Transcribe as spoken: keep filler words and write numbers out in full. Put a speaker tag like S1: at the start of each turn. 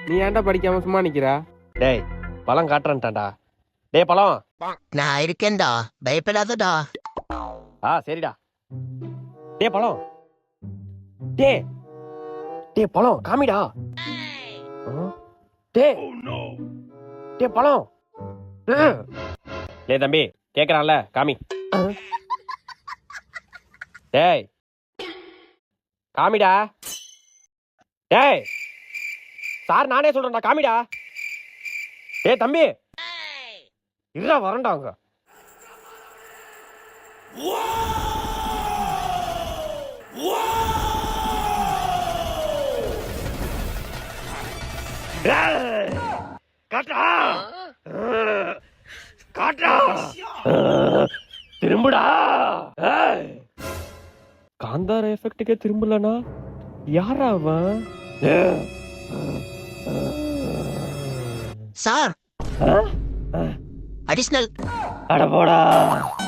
S1: நீ ஏன்டா படிக்காம சும்மா நிக்கிறா? டேய் பழம் காட்டுறேன்டாண்டா. டேய் பழம்.
S2: நான் இருக்கேன்டா, பயப்படாதடா.
S1: ஆ சரிடா. டேய் பழம். டேய் டேய் பழம் காமிடா. டேய் டேய் பழம். டேய் தம்பி கேக்குறான்ல காமி. டேய் காமிடா. டேய் சார் நானே சொல்றேன்டா காமிடா. டேய் தம்பி இல்ல வரண்டாங்க. காட்டா காட்டா திரும்புடா. காந்தார எஃபெக்ட்டுக்கே திரும்பலனா யாரா அவன்?
S2: சார், அடிஷனல்
S1: அட போடா.